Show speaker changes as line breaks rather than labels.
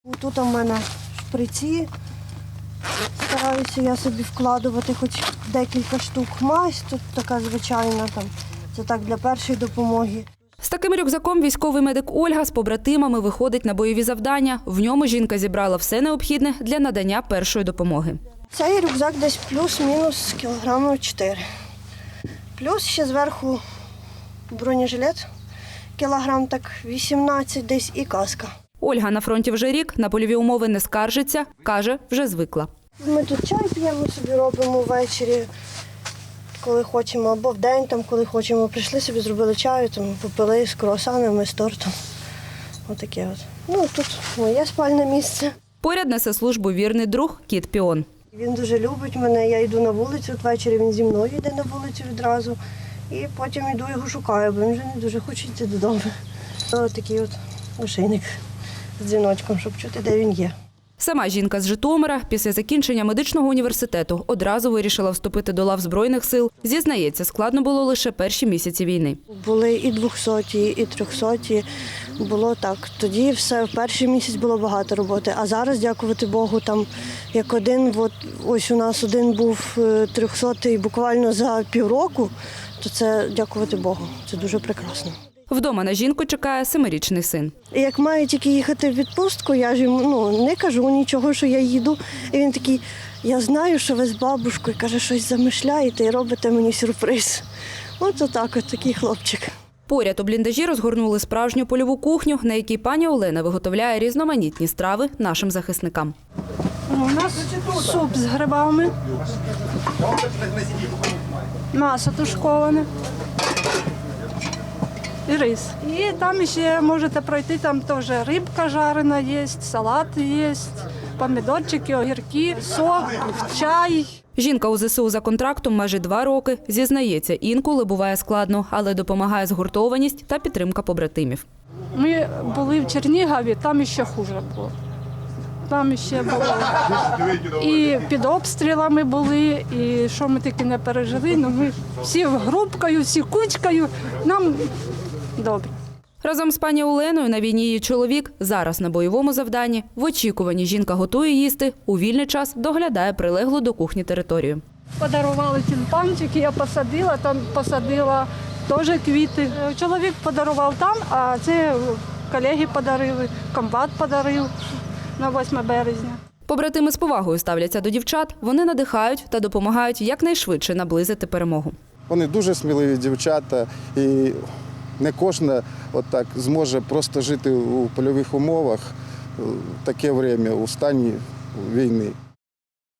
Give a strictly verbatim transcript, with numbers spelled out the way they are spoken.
Тут у мене шприці. Стараюся я собі вкладувати хоч декілька штук. Мазь тут така звичайна, там. Це так для першої допомоги.
З таким рюкзаком військовий медик Ольга з побратимами виходить на бойові завдання. В ньому жінка зібрала все необхідне для надання першої допомоги.
Цей рюкзак десь плюс-мінус кілограмів чотири. Плюс ще зверху бронежилет, кілограм так вісімнадцять десь і каска.
Ольга на фронті вже рік, на польові умови не скаржиться, каже, вже звикла.
Ми тут чай п'ємо, собі робимо ввечері, коли хочемо, або вдень, там, коли хочемо. Прийшли собі, зробили чаю, там, попили з круасанами, з тортом. Отаке от. Ну, тут моє спальне місце.
Поряд несе службу вірний друг кіт Піон.
Він дуже любить мене, я йду на вулицю, от ввечері він зі мною йде на вулицю відразу. І потім йду його шукаю, бо він вже не дуже хоче йти додому. Ось такий от ошейник з дзвіночком, щоб чути, де він є.
Сама жінка з Житомира після закінчення медичного університету одразу вирішила вступити до лав Збройних сил. Зізнається, складно було лише перші місяці війни.
Були і двохсоті, і трьохсоті. Було так. Тоді все, в перший місяць було багато роботи. А зараз, дякувати Богу, там як один, от, ось у нас один був трьохсотий буквально за півроку, то це дякувати Богу. Це дуже прекрасно.
Вдома на жінку чекає семирічний син.
Як маю тільки їхати в відпустку, я ж йому ну, не кажу нічого, що я їду. І він такий, я знаю, що ви з бабушкою, каже, щось замишляєте і робите мені сюрприз. От отак, от такий хлопчик.
Поряд у бліндажі розгорнули справжню польову кухню, на якій пані Олена виготовляє різноманітні страви нашим захисникам.
У нас суп з грибами, м'ясо тушковане і рис. І там ще можете пройти, там теж рибка жарена є, салат є, помідорчики, огірки, сок, чай.
Жінка у ЗСУ за контрактом майже два роки. Зізнається, інколи буває складно, але допомагає згуртованість та підтримка побратимів.
Ми були в Чернігові, там ще хуже було. Там ще було і під обстрілами були, і що ми таки не пережили. Ну, ми всі групкою, всі кучкою, нам добре.
Разом з пані Оленою на війні її чоловік, зараз на бойовому завданні. В очікуванні жінка готує їсти, у вільний час доглядає прилеглу до кухні територію.
Подарували тюльпанчики, я посадила, там посадила теж квіти. Чоловік подарував там, а це колеги подарили, комбат подарив на восьме березня.
Побратими з повагою ставляться до дівчат, вони надихають та допомагають якнайшвидше наблизити перемогу.
Вони дуже сміливі дівчата, і не кожна отак зможе просто жити у польових умовах в таке час, у стані війни.